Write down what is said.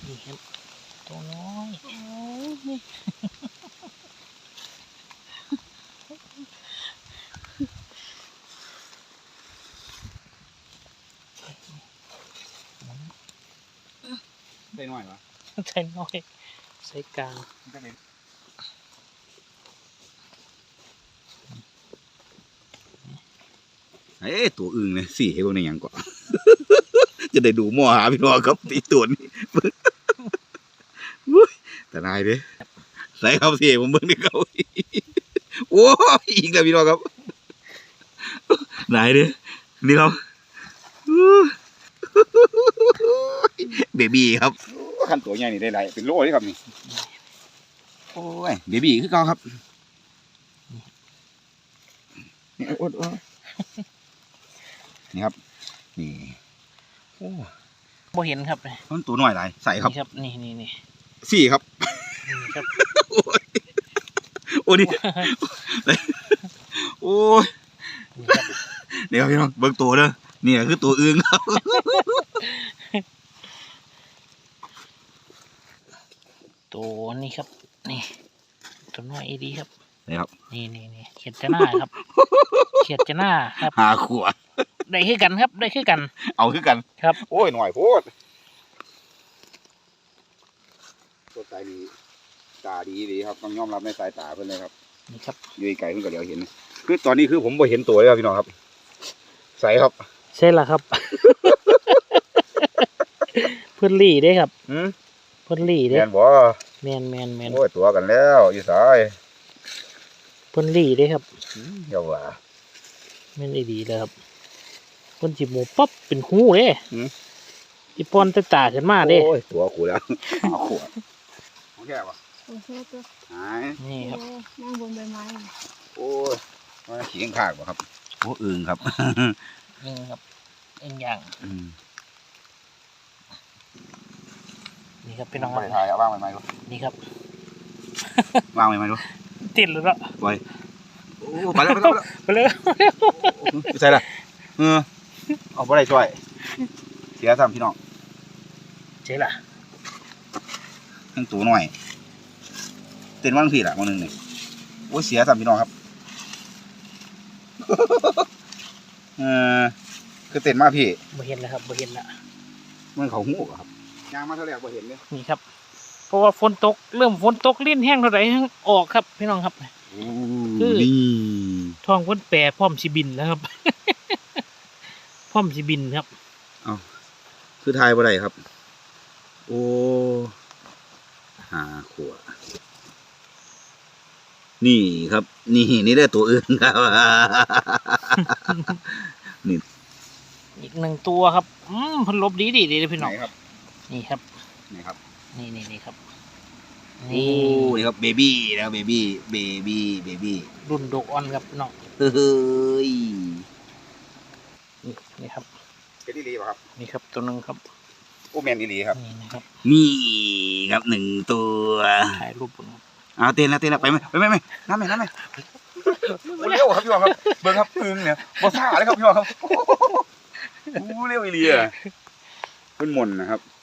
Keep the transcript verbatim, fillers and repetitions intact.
นี่ครับตัวน้อยโอ้ยได้หน่อยวะใส่น้อยใส่กลางเอ้ตัวอึ่งเลยสี่ให้พวกนี้ยังก่อน จะได้ดูหม้อหาพี่น้องครับตีตัวนี้แต่นายเด้ใส่ครับสี่ผมเบิ่งนี่เขาโอ้ยอีกแล้วพี่น้องครับนายเด้นี่ครับเบบี้ครับขั้นตัวใหญ่นี่ได้ไรเป็นโล่เลยครับนี่โอ้ยเบบี้คือเก่าครับนี่โอ้โอ้นี่ครับนี่โอ้บ่เห็นครับมันตัวหน่อยไรใส่ครับนี่ครับนี่นี่นี่สี่ครับนี่ครับโอ้นี่โอ้ยเดี๋ยวพี่น้องเบิ่งตัวเด้อนี่คือตัวอึ่งครับตัวนี้ครับนี่ตัวน้อยอีดีครับนี่ครับนี่นี่นี่เขียดจะหน้าครับเขียดจะหน้าครับหาขวดได้คือกันครับได้คือกันเอาคือกันครับโอ้ยหน่อยโพดตัวตาดีตาดีดีครับต้องยอมรับในสายตาเพื่อนเลยครับนี่ครับอยู่ไกลเพื่อนก็เดี๋ยวเห็นคือตอนนี้คือผมไม่เห็นตัวเลยครับพี่น้องครับใส่ครับใช่ละครับเพื่อนลี่ได้ครับเพื่อนลี่ได้แมนบ่แมนแมนแมนโอ้ยตัวกันแล้วอยู่สายเพื่อนลี่ได้ครับเดี๋ยวว่าแมนดีเลยครับเพื่อนจีบหมูปั๊บเป็นหูเด้อีปอนตาตาขึ้นมาเด้โอ้ยตัวขู่แล้วเอาขวดโอเคป่ะโอเคตัวหายนี่ครับนั่งบนใบไม้โอ้ยมาขี้ข้างป่ะครับโอ้อึ่งครับอึ่งครับอึ่งย่างนี่ครับพี่น้องไปถ่ายเอาว่างใหม่ๆดูนี่ครับว่างใหม่ๆดูติดแล้วก็ไปโอ้ไปแล้วไปแล้วไปเลยไปใส่ละเออเอาไปได้ช่วยเสียซ้ำพี่น้องเจ๊ล่ะทั้งตัวหน่อยเต้นว่างผิดละวันหนึ่งเนี่ยโอ้เสียซ้ำพี่น้องครับเออคือเต้นมากพี่บ่เห็นแล้วครับบ่เห็นละมันเขาหูครับยางมาเท่าไหร่บ่เห็นเนี่ยนี่ครับเพราะว่าฝนตกเริ่มฝนตกลิ้นแห้งเท่าไหร่ออกครับพี่น้องครับคือนี่ท้องพ้นแปรพร้อมสิบินแล้วครับพร้อมสิบินครับเอาคือทายบ่ได้ครับโอ้หาขวดนี่ครับนี่นี่ได้ตัวอื่นครับนี่อีกหนึ่งตัวครับอืมพันลบดีดีดีเลยพี่น้องครับนี่ครับนี่ครับนี่นี่นี่ครับนี่นี่ครับเบบี้แล้วเบบี้เบบี้เบบี้รุ่นโดออนครับน้องเฮ้ยนี่นี่ครับเป็นดีๆป่ะครับนี่ครับตัวหนึ่งครับโอ้แมนดีๆครับนี่นะครับนี่ครับหนึ่งตัวถ่ายรูปเอาเต้นแล้วเต้นแล้วไปไหมไปไหมไม่น้ำไหมน้ำไหมเร็วครับพี่วองครับเบิ้งครับอึ่งเนี่ยบอซ่าเลยครับพี่วองครับเร็วอีเลียเป็นมนนะครับ